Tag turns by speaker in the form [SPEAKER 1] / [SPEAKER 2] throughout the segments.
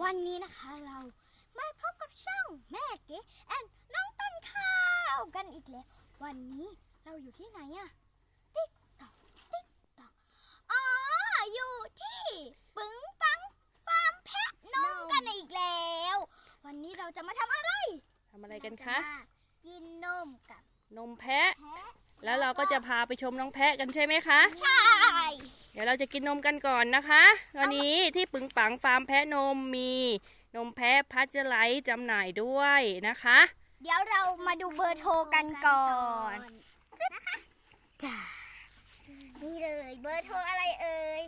[SPEAKER 1] วันนี้นะคะเรามาพบกับช่องแม่เก๋แอนน้องต้นข้าวกันอีกแล้ววันนี้เราอยู่ที่ไหนอะติ๊กตอกอ๋ออยู่ที่ปึ๋งปังฟาร์มแพะนมกันอีกแล้ววันนี้เราจะมาทำอะไร
[SPEAKER 2] กันคะ
[SPEAKER 1] กินนมกับ
[SPEAKER 2] นมแพะแล้วเราก็จะพาไปชมน้องแพะกันใช่ไหมคะ
[SPEAKER 1] ใช่
[SPEAKER 2] เดี๋ยวเราจะกินนมกันก่อนนะคะวันนี้ที่ปึงปังฟาร์มแพะนมมีนมแพะพัชไลท์จำหน่ายด้วยนะคะ
[SPEAKER 1] เดี๋ยวเรามาดูเบอร์โทรกันก่อนนะคะจ้านี่เลยเบอร์โทรอะไรเอ่ย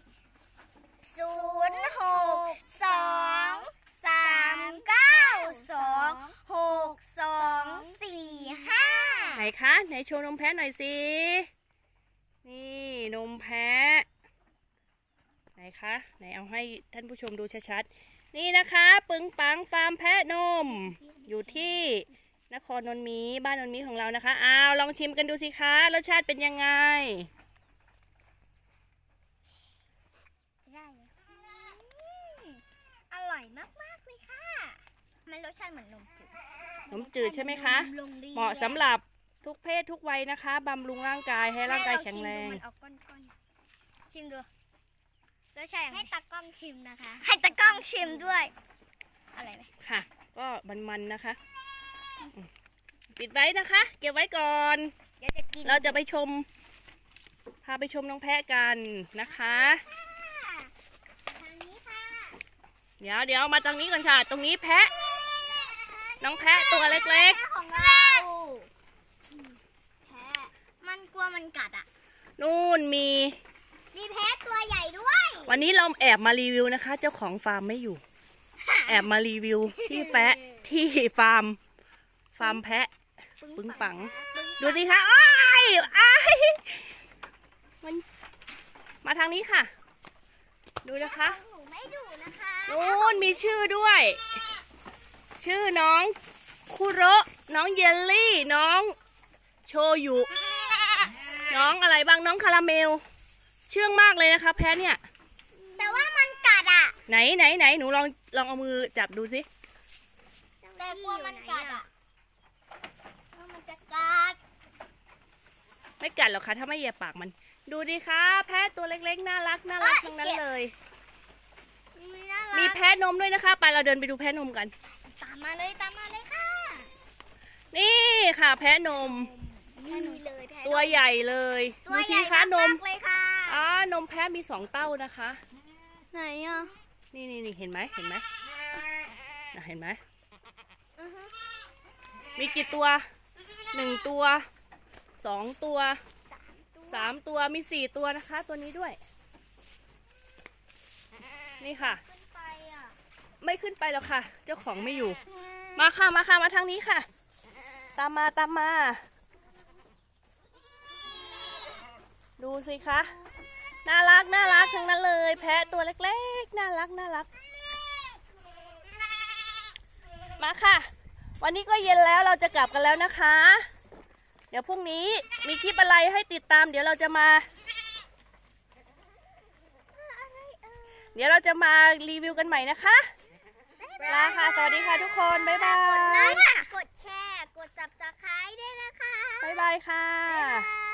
[SPEAKER 1] 0623926245
[SPEAKER 2] ไหนคะไหนโชว์นมแพะหน่อยสินี่นมแพะไหนคะไหนเอาให้ท่านผู้ชมดูชัดๆนี่นะคะปึงปังฟาร์มแพะนมอยู่ที่นครนนท์มีบ้านนนท์มีของเรานะคะลองชิมกันดูสิคะรสชาติเป็นยังไง
[SPEAKER 1] อร่อยมากๆเลยค่ะมันรสชาติเหมือนนม
[SPEAKER 2] จืดใช่ไหมคะเหมาะสำหรับทุกเพศทุกวัยนะคะบำรุงร่างกายให้ร่างกายแข็งแรง
[SPEAKER 1] ชิมดูรสชาติให้ตากล้องชิมนะคะให้ตากล้องชิมด้วยอะไรไหม
[SPEAKER 2] ค่ะก็มันๆนะคะปิดไว้นะคะเก็บไว้ก่อนเราจะไปชมพาไปชมน้องแพะกันนะคะ
[SPEAKER 1] ทางนี้ค่ะ
[SPEAKER 2] เดี๋ยวมาตรงนี้ก่อนค่ะตรงนี้แพะน้องแพะตัวเล็ก
[SPEAKER 1] ๆของเราแพะมันกลัวมันกัดอ่ะ
[SPEAKER 2] นู่นมี
[SPEAKER 1] แพะตัวใหญ่ด้วย
[SPEAKER 2] วันนี้เราแอบมารีวิวนะคะเจ้าของฟาร์มไม่อยู่แอบมารีวิวที่แพะที่ฟาร์มแพะปึ้งปังดูสิคะอ้ายมันมาทางนี้ค่ะดูนะคะนู่นมีชื่อด้วยชื่อน้องคุโระน้องเยลลี่น้องโชยุน้องอะไรบ้างน้องคาราเมลเชื่องมากเลยนะคะแพะเนี่ย
[SPEAKER 1] แต่ว่ามันกัดอ่ะ
[SPEAKER 2] ไหนหนูลองเอามือจับดูสิ
[SPEAKER 1] แต่กลัวมันกัดอ่ะมันจะกัด
[SPEAKER 2] ไม่กัดหรอกค่ะถ้าไม่เหยียบปากมันดูดิคะแพะตัวเล็กๆน่ารักทั้งนั้นเลยมีแพะนมด้วยนะคะไปเราเดินไปดูแพะนมกัน
[SPEAKER 1] ตามมาเลยค่ะ
[SPEAKER 2] นี่ค่ะแพะนมตัวใหญ่เลยดูสิคะนมนมแพะมี2เต้านะคะ
[SPEAKER 1] ไหนอ่ะ
[SPEAKER 2] นี่เห็นไหมเห็นไหมมีกี่ตัว1ตัว2ตัว3ตัวมี4ตัวนะคะตัวนี้ด้วยนี่ค่ะไม่ขึ้นไปแล้วค่ะเจ้าของไม่อยู่มาค่ะมาทางนี้ค่ะตามมาดูสิคะน่ารักทั้งนั้นเลยแพะตัวเล็กๆน่ารักมาค่ะวันนี้ก็เย็นแล้วเราจะกลับกันแล้วนะคะเดี๋ยวพรุ่งนี้มีคลิปอะไรให้ติดตามเดี๋ยวเราจะมารีวิวกันใหม่นะคะลาค่ะสวัสดีค่ะทุกคนบ๊ายบาย
[SPEAKER 1] กดแชร์กด Subscribe ด้วยนะคะ
[SPEAKER 2] บ๊ายบายค่ะ